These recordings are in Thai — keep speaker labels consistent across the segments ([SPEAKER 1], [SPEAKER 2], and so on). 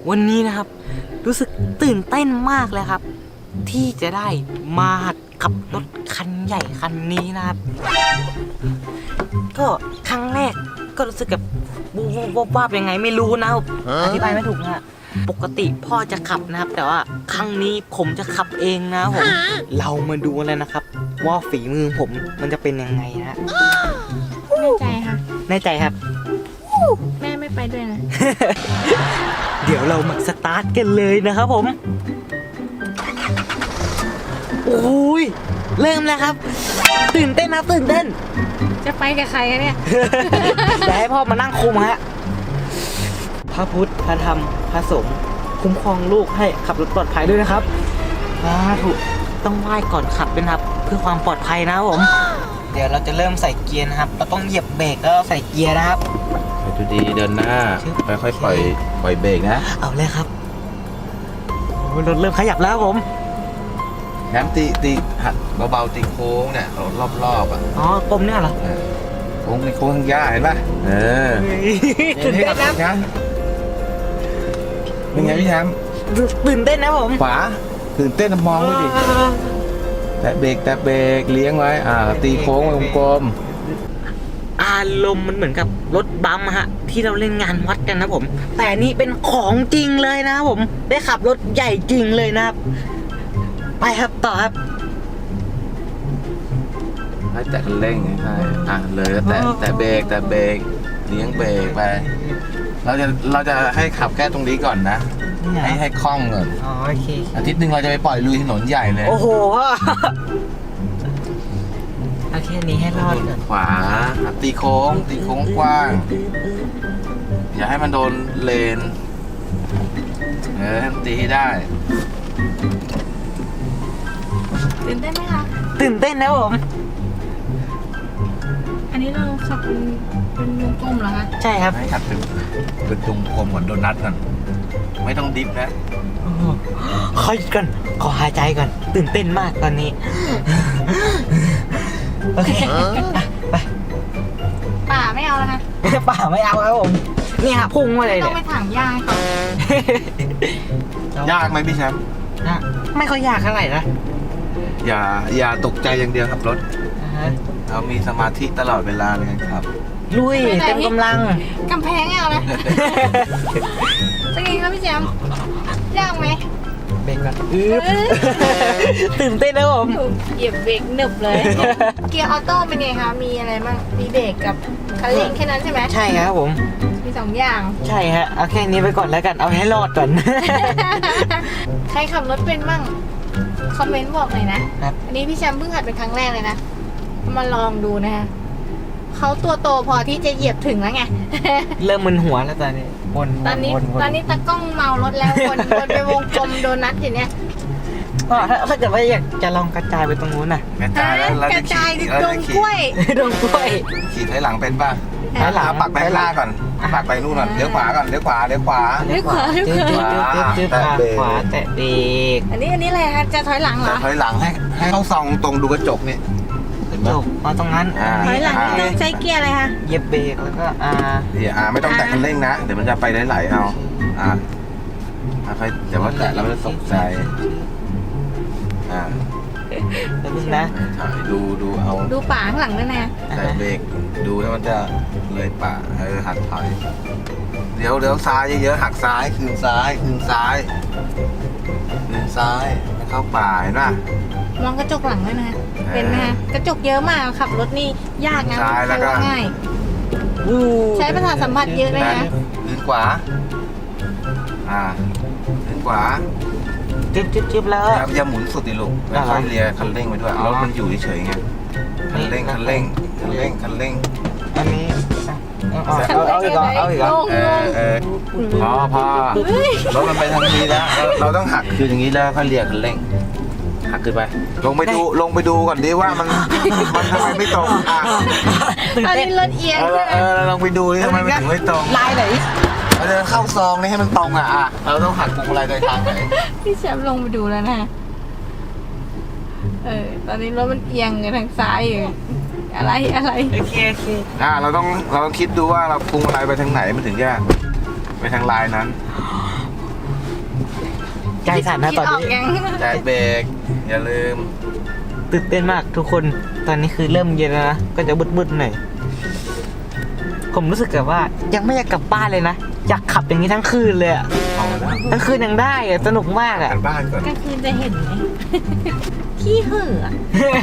[SPEAKER 1] วันนี้นะครับรู้สึกตื่นเต้นมากเลยครับ ที่จะได้มาหัดขับรถคันใหญ่คันนี้นะครับ ก็ครั้งแรกก็รู้สึกแบบวาบยังไงไม่รู้นะครับอธิบายไม่ถูกนะปกติพ่อจะขับนะครับ แต่ว่าครั้งนี้ผมจะขับเองนะครับผมเรามาดูเลยนะครับ ว่าฝีมือผมมันจะเป็นยังไงนะ
[SPEAKER 2] แน่ใจค่ะ
[SPEAKER 1] แน่ใจครับ
[SPEAKER 2] แม่ไม่ไปด้วยนะ
[SPEAKER 1] เดี๋ยวเรามาสตาร์ทกันเลยนะครับผมโอ้ยเริ่มแล้วครับตื่นเต้นนะตื่นเต้น
[SPEAKER 2] จะไปกับใครกันเนี่ย
[SPEAKER 1] เดี๋ยวให้พ่อมานั่งคุมฮะพระพุทธพระธรรมพระสงฆ์คุ้มครองลูกให้ขับรถปลอดภัยด้วยนะครับถูกต้องไหว้ก่อนขับด้วยนะครับเพื่อความปลอดภัยนะครับผมเดี๋ยวเราจะเริ่มใส่เกียร์นะครับเราต้องเหยียบเบรกแล้วใส่เกียร์นะครับ
[SPEAKER 3] ไปดูดีเดินหน้าค่อยๆปล่อยเบรกนะ
[SPEAKER 1] เอาเลยครับโอ้ยรถเริ่มขยับแล้วครับผม
[SPEAKER 3] แถมตีหัดเบาๆตีโค้งเนี่ยรอบๆอ่ะ
[SPEAKER 1] อ๋อกลมเนี่ยเหรอ
[SPEAKER 3] โค้งโค้งทางหญ้าเห็นป่ะ
[SPEAKER 1] ตื่นเต้นนะ
[SPEAKER 3] เป็นไงพี่แชมป์
[SPEAKER 1] ตื่นเต้นนะผม
[SPEAKER 3] ขวาตื่นเต้นมองด้วยดิแตะเบรกเลี้ยงไว้ตีโค้งวงกลม
[SPEAKER 1] อารมณ์มันเหมือนกับรถบัมป์ฮะที่เราเล่นงานวัดกันนะผม แต่นี่เป็นของจริงเลยนะครับผมได้ขับรถใหญ่จริงเลยนะครับไปครับต่อครับ
[SPEAKER 3] ให้แตะคันเร่งใช่เลยแล้วแตะเบรกเลี้ยงเบรกไปเราจะให้ขับแค่ตรงนี้ก่อนนะให้คล่องก่อน
[SPEAKER 1] อ๋อโอเค
[SPEAKER 3] อาทิตย์หนึ่งเราจะไปปล่อยลุยถนนใหญ่เลย
[SPEAKER 1] โอ้โหเอาแค่นี้ให้รอดก่อน
[SPEAKER 3] ขวาตีโค้งกว้าง อย่าให้มันโดนเลนให้มันตีให้ได้
[SPEAKER 2] ตื่นเต้นไหมคะ
[SPEAKER 1] ตื่นเต้นนะผม
[SPEAKER 2] อันนี้เราขับเป็นวงกลมเหรอคะ
[SPEAKER 1] ใช่ครับ
[SPEAKER 3] ให้ขัดเป็นวงกลมก่อนโดนัทก่อนไม่ต้องดิฟนะ
[SPEAKER 1] ขอหยุดก่อนขอหายใจก่อนตื่นเต้นมากตอนนี้โอเคไป
[SPEAKER 2] ป่าไม่เอาแล้วนะ
[SPEAKER 1] ป่าไม่เอาครับผมนี่ฮะพุ่งมาเลย
[SPEAKER 2] ต้อ
[SPEAKER 1] เนี่
[SPEAKER 2] ง
[SPEAKER 1] ย
[SPEAKER 2] ไปถางหญ้าให้ก่อน
[SPEAKER 3] ยากไหมพี่แชมป์
[SPEAKER 1] ไม่ค่อยยากเท่าไหร่นะ
[SPEAKER 3] อย่าตกใจอย่างเดียวขับรถเรามีสมาธิตลอดเวลาเลยครับ
[SPEAKER 1] ลุยเต็มกำลัง
[SPEAKER 2] กำแพงไม่เอานะเป็นไงครับพี่แจมยากไหม
[SPEAKER 1] เบรกก่อนตื่นเต้นนะผม
[SPEAKER 2] ถูกเหยียบเบรกหนึบเลย เกียร์ออโต้เป็นไงคะมีอะไรบ้างมีเบรกกับคันเร่งแค่นั้นใช่ไหม
[SPEAKER 1] ใช่ครับผม
[SPEAKER 2] มีสองอย่าง
[SPEAKER 1] ใช่ฮะเอาแค่นี้ไปก่อนแล้วกันเอาให้รอดก่อน
[SPEAKER 2] ใครขับรถเป็นบ้างคอมเมนต์บอกหน่อยนะครับ อันนี้พี่แชมป์เพิ่งหัดเป็นครั้งแรกเลยนะมาลองดูนะคะเขาตัวโตพอที่จะเหยียบถึงแล้วไง
[SPEAKER 1] เริ่มมึนหัวแล้วตอนนี้วน
[SPEAKER 2] ตอนนี้ตากล้องเมารถแล้ววนไปวงกลมโดนัทอยู่เนี่ย
[SPEAKER 1] ก็ถ้าเกิดว่าอยากจะลองกระจายไปตรงนู้นน่ะ
[SPEAKER 3] กระจายแล้วเรา
[SPEAKER 2] ก
[SPEAKER 3] จะ
[SPEAKER 2] ระจาย
[SPEAKER 3] ขี่
[SPEAKER 2] ดงกล้วย
[SPEAKER 1] ดงกล้วย
[SPEAKER 3] ขี่ถอยหลังเป็นป่ะ
[SPEAKER 1] ถอยหลัง
[SPEAKER 3] ปักไปข้างหน้าก่อนปักไปนู่นก่อนเลี้ยวขวาก่อนเลี้ยวขวา
[SPEAKER 2] เลี้ยวขวา
[SPEAKER 1] จึ๊บขวาแตะเบรก
[SPEAKER 2] อันนี้อะไรคะจะถอยหลังเหร
[SPEAKER 3] จะ
[SPEAKER 2] อ
[SPEAKER 3] ถอยหลังให้เขาส่องตรงดูกระจกนี่เห็นไหม
[SPEAKER 1] จบมาตรงนั้น
[SPEAKER 2] ถอยหลังนี่ต้องใช้เกียร์อะไรคะ
[SPEAKER 1] เหยียบเบรกแล้วก็
[SPEAKER 3] เดี๋ยวไม่ต้องแตะคันเร่งนะเดี๋ยวมันจะไปไหลๆเอาค่อยเดี๋ยวว่าแตะแล้วมันจะตกใจ
[SPEAKER 1] แล้วนึงนะ
[SPEAKER 3] ถ่ายดูเอา
[SPEAKER 2] ดูป่าข้างหลังด้วยนะ
[SPEAKER 3] แต่เบรกดูแล้วมันจะเลยป่าหักถอยเดี๋ยวซ้ายเยอะๆหักซ้ายคืนซ้ายให้เข้าป่าเห็นป่ะ
[SPEAKER 2] มองกระจกหลังด้วยนะเป็นไหมคะกระจกเยอะมากขับรถนี่ยากนะ
[SPEAKER 3] ซ้ายแล้วก็
[SPEAKER 2] ง่ายใช้ประสาทสัมผัสเยอะเลยนะ
[SPEAKER 3] คืนขวาคืนขวา
[SPEAKER 1] จึ๊บแล้ว
[SPEAKER 3] อย่าหมุนสุดดิลูกแล้วค่อยเลียคันเร่งไปด้วยรถมันอยู่เฉยๆไงคันเร่ง
[SPEAKER 1] อันนี้เอาอีกเหรอเอาอีกเหรอ
[SPEAKER 3] พอรถมันไปทางนี้แล้วเราต้องหักคืออย่างนี้แล้วค่อยเลียคันเร่งหักขึ้นไปลงไปดูก่อนดิว่ามันทำไมไม่ตรง
[SPEAKER 2] ตอน
[SPEAKER 1] ตื่นเต้น
[SPEAKER 2] นี้รถเอียงใช่ไหม
[SPEAKER 3] ลองไปดูดิทำไมมันถึงไม่ตรง
[SPEAKER 1] ลายไหน
[SPEAKER 3] เราจะเข้าซองนี่ให้มันตรงเราต้องหักพวงมาลัยโดยทางไหน
[SPEAKER 2] พี่แชมป์ลงไปดูแล้วนะตอนนี้รถมันเอียงไปทางซ้ายอยู่อะไร
[SPEAKER 1] โอเค
[SPEAKER 3] เราต้องคิดดูว่าเราพวงมาลัยไปทางไหนมันถึงจะไปทางลายนั้น
[SPEAKER 1] ใจสั่นนะตอน
[SPEAKER 2] คิดออก
[SPEAKER 1] นี้
[SPEAKER 2] ยัง
[SPEAKER 3] แจกเบรกอย่าลืม
[SPEAKER 1] ตื่นเต้นมากทุกคนตอนนี้คือเริ่มเย็นแล้วนะก็จะมืดๆหน่อยผมรู้สึกแบบว่ายังไม่อยากกลับบ้านเลยนะอยากขับอย่างนี้ทั้งคืนเลยอะ
[SPEAKER 3] เอาแล้ว
[SPEAKER 1] ทั้งคืนยังได้อะสนุกมากอะ
[SPEAKER 3] กันบ้านก่อน
[SPEAKER 2] กลางคืนจะเห็นไหม ขี้เหือะ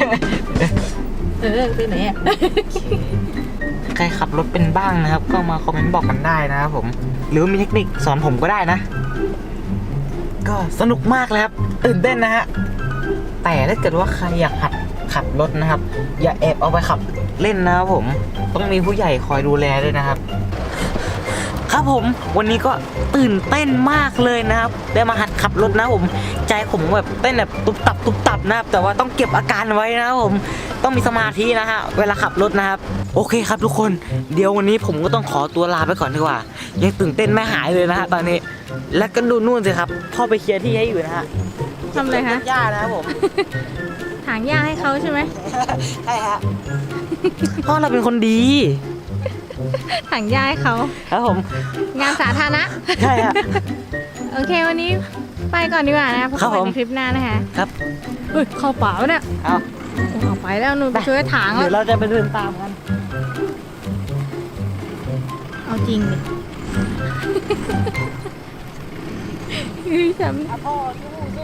[SPEAKER 2] ไปไหนอ่ะ
[SPEAKER 1] ใครขับรถเป็นบ้างนะครับ ก็มาคอมเมนต์บอกกันได้นะครับผมหรือว่ามีเทคนิคสอนผมก็ได้นะ ก็สนุกมากเลยครับตื่นเต้นนะฮะแต่ถ้าเกิดว่าใครอยากหัดขับรถนะครับ อย่าแอบเอาไปขับเล่นนะครับผมต้องมีผู้ใหญ่คอยดูแลด้วยนะครับ ครับผมวันนี้ก็ตื่นเต้นมากเลยนะครับได้มาหัดขับรถนะผมใจผมแบบเต้นแบบตุบตับนะครับแต่ว่าต้องเก็บอาการไว้นะครับผมต้องมีสมาธินะฮะเวลาขับรถนะครับโอเคครับทุกคนเดี๋ยววันนี้ผมก็ต้องขอตัวลาไปก่อนดีกว่ายังตื่นเต้นไม่หายเลยนะฮะตอนนี้แล้วก็ดูนู่นสิครับพ่อไปเคลียร์ที่ให้อยู่นะฮะ
[SPEAKER 2] ทำอะไรคะ
[SPEAKER 1] หญ้านะครับผม
[SPEAKER 2] ถางหญ้าให้เขาใช่ไหม
[SPEAKER 1] ใช่ฮะพ่อเราเป็นคนดี
[SPEAKER 2] ถางหญ้าให้เขา
[SPEAKER 1] ครับผม
[SPEAKER 2] งานสาธารณะ
[SPEAKER 1] ใช่ฮะ
[SPEAKER 2] โอเควันนี้ไปก่อนดีกว่านะพบ
[SPEAKER 1] ครับ
[SPEAKER 2] กัน
[SPEAKER 1] ผม
[SPEAKER 2] ในคลิปหน้านะคะ
[SPEAKER 1] ครับ
[SPEAKER 2] เฮ้ยเข้าเปล่าเนี่ย
[SPEAKER 1] เอา
[SPEAKER 2] เอาไปแล้วหนูไปช่วยถาง
[SPEAKER 1] เดี๋ยว
[SPEAKER 2] แล้ว
[SPEAKER 1] เราจะไปเดินตามกัน
[SPEAKER 2] เอาจริงดิพี่แชมป์
[SPEAKER 1] พ่อสู้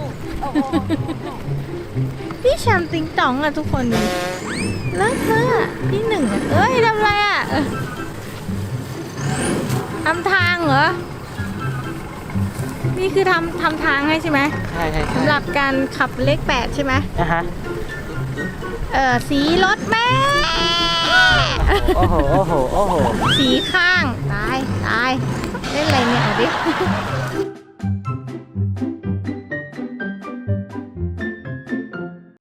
[SPEAKER 2] พี่แชมป์ติงตองอะทุกคนดูแล้วเธออะที่หนึ่งอะเอ้ยทำอะไรอะทำทางเหรอ นี่คือทำทางให้ใช่ไหม
[SPEAKER 1] ใช่
[SPEAKER 2] สำหรับการขับเลข8ใช่ไหม
[SPEAKER 1] นะฮะ
[SPEAKER 2] สีรถแม่
[SPEAKER 1] โอ้โห
[SPEAKER 2] สีข้าง ตาย เล่นอะไรเนี่ยเอาดิ